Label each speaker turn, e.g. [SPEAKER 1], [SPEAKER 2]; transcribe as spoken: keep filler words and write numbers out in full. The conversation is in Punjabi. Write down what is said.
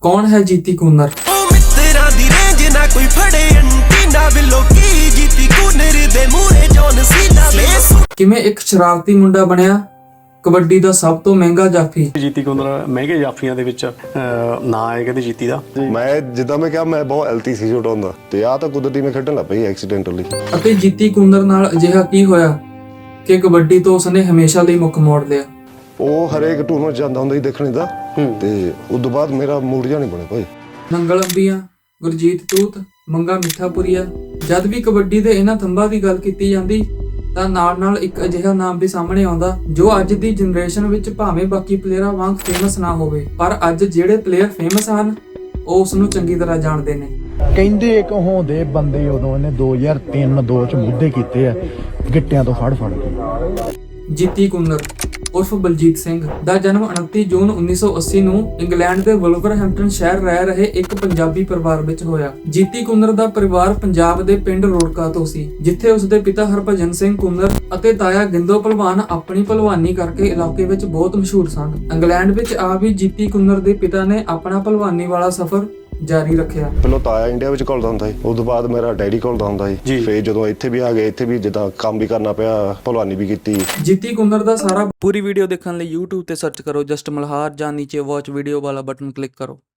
[SPEAKER 1] ਕੌਣ ਹੈ ਜੀਤੀ ਕੂਨਰ? ਕਿਵੇਂ ਇੱਕ ਸ਼ਰਾਰਤੀ ਮੁੰਡਾ ਬਣਿਆ ਕਬੱਡੀ ਦਾ ਸਭ ਤੋਂ ਮਹਿੰਗਾ ਜਾਫੀ?
[SPEAKER 2] ਜੀਤੀ ਕੂਨਰ ਮਹਿੰਗੇ ਜਾਫੀਆਂ ਦੇ ਵਿੱਚ ਨਾਂ ਹੈ ਕਹਿੰਦੇ ਜੀਤੀ ਦਾ।
[SPEAKER 3] ਮੈਂ ਜਿੱਦਾਂ ਮੈਂ ਕਿਹਾ ਮੈਂ ਬਹੁਤ ਐਲਤੀ ਸੀ ਛੋਟਾ ਹੁੰਦਾ ਤੇ ਆ ਤਾਂ ਕੁਦਰਤੀ ਮੈਂ ਖੇਡਣ ਲੱਗ ਪਈ ਐਕਸੀਡੈਂਟਲੀ।
[SPEAKER 1] ਅਤੇ ਜੀਤੀ ਕੂਨਰ ਨਾਲ ਅਜਿਹਾ ਕੀ ਹੋਇਆ ਕਿ ਕਬੱਡੀ ਤੋਂ ਉਸਨੇ ਹਮੇਸ਼ਾ ਲਈ ਮੁੱਖ ਮੋੜ ਲਿਆ?
[SPEAKER 3] ਉਹ ਹਰੇਕ ਟੂਰਨਾਮੈਂਟ ਜਾਂਦਾ ਹੁੰਦਾ ਸੀ ਦੇਖਣੇ ਦਾ ਤੇ ਉਸ ਤੋਂ ਬਾਅਦ ਮੇਰਾ ਮੂਡ ਜਿਹਾ ਨਹੀਂ ਬਣਿਆ ਭਾਈ।
[SPEAKER 1] ਨੰਗਲ ਅੰਬੀਆਂ, ਗੁਰਜੀਤ ਤੂਤ, ਮੰਗਾ ਮਿੱਠਾਪੁਰੀਆ, ਜਦ ਵੀ ਕਬੱਡੀ ਦੇ ਇਹਨਾਂ ਥੰਬਾਂ ਦੀ ਗੱਲ ਕੀਤੀ ਜਾਂਦੀ ਤਾਂ ਨਾਲ ਨਾਲ ਇੱਕ ਅਜਿਹਾ ਨਾਮ ਵੀ ਸਾਹਮਣੇ ਆਉਂਦਾ ਜੋ ਅੱਜ ਦੀ ਜਨਰੇਸ਼ਨ ਵਿੱਚ ਭਾਵੇਂ ਬਾਕੀ ਪਲੇਅਰਾਂ ਵਾਂਗ ਫੇਮਸ ਨਾ ਹੋਵੇ, ਪਰ ਅੱਜ ਜਿਹੜੇ ਪਲੇਅਰ ਫੇਮਸ ਹਨ ਉਹ ਉਸ ਨੂੰ ਚੰਗੀ ਤਰ੍ਹਾਂ ਜਾਣਦੇ ਨੇ।
[SPEAKER 4] ਕਹਿੰਦੇ ਇੱਕ ਹੋਂਦੇ ਬੰਦੇ ਉਦੋਂ ਇਹਨੇ ਦੋ ਹਜ਼ਾਰ ਤਿੰਨ ਦੋ ਚ ਮੁੱਦੇ ਕੀਤੇ ਆ ਗਿੱਟਿਆਂ ਤੋਂ ਫੜ ਫੜ ਕੇ।
[SPEAKER 1] ਜੀਤੀ ਕੂਨਰ ਉਰਫ ਬਲਜੀਤ ਸਿੰਘ ਦਾ ਜਨਮ ਉਨੱਤੀ ਜੂਨ ਉੱਨੀ ਸੌ ਅੱਸੀ ਨੂੰ ਇੰਗਲੈਂਡ ਦੇ ਵੁਲਵਰਹੈਂਪਟਨ ਸ਼ਹਿਰ ਰਹਿ ਰਹੇ ਇੱਕ ਪੰਜਾਬੀ ਪਰਿਵਾਰ ਵਿੱਚ ਹੋਇਆ। ਜੀਤੀ ਕੂਨਰ ਦਾ ਪਰਿਵਾਰ ਪੰਜਾਬ ਦੇ ਪਿੰਡ ਰੋੜਕਾ ਤੋਂ ਸੀ, ਜਿੱਥੇ ਉਸਦੇ ਪਿਤਾ ਹਰਭਜਨ ਸਿੰਘ ਕੂਨਰ ਅਤੇ ਤਾਇਆ ਗਿੰਦੋ ਭਲਵਾਨ ਆਪਣੀ ਭਲਵਾਨੀ ਕਰਕੇ ਇਲਾਕੇ ਵਿੱਚ ਬਹੁਤ ਮਸ਼ਹੂਰ ਸਨ। ਇੰਗਲੈਂਡ ਵਿੱਚ ਆ ਵੀ ਜੀਤੀ ਕੂਨਰ ਦੇ ਪਿਤਾ ਨੇ ਆਪਣਾ ਭਲਵਾਨੀ ਵਾਲਾ ਸਫ਼ਰ ਜਾਰੀ ਰੱਖਿਆ।
[SPEAKER 3] ਪਹਿਲਾਂ ਤਾਇਆ ਇੰਡੀਆ ਵਿੱਚ ਘੁਲਦਾ ਹੁੰਦਾ ਸੀ, ਉਸ ਤੋਂ ਬਾਅਦ ਮੇਰਾ ਡੈਡੀ ਘੁਲਦਾ ਹੁੰਦਾ ਸੀ, ਫੇਰ ਜਦੋਂ ਇੱਥੇ ਵੀ ਆ ਗਏ ਇੱਥੇ ਵੀ ਜਿੱਦਾਂ ਕੰਮ ਵੀ ਕਰਨਾ ਪਿਆ, ਭਲਵਾਨੀ ਵੀ ਕੀਤੀ।
[SPEAKER 1] ਜੀਤੀ ਕੂਨਰ ਦਾ ਸਾਰਾ ਪੂਰੀ ਵੀਡੀਓ ਦੇਖਣ ਲਈ YouTube ਤੇ ਸਰਚ ਕਰੋ ਜਸਟ ਮਲਹਾਰ ਜਾਂ ਨੀਚੇ ਵਾਚ ਵੀਡੀਓ ਵਾਲਾ ਬਟਨ ਕਲਿੱਕ ਕਰੋ।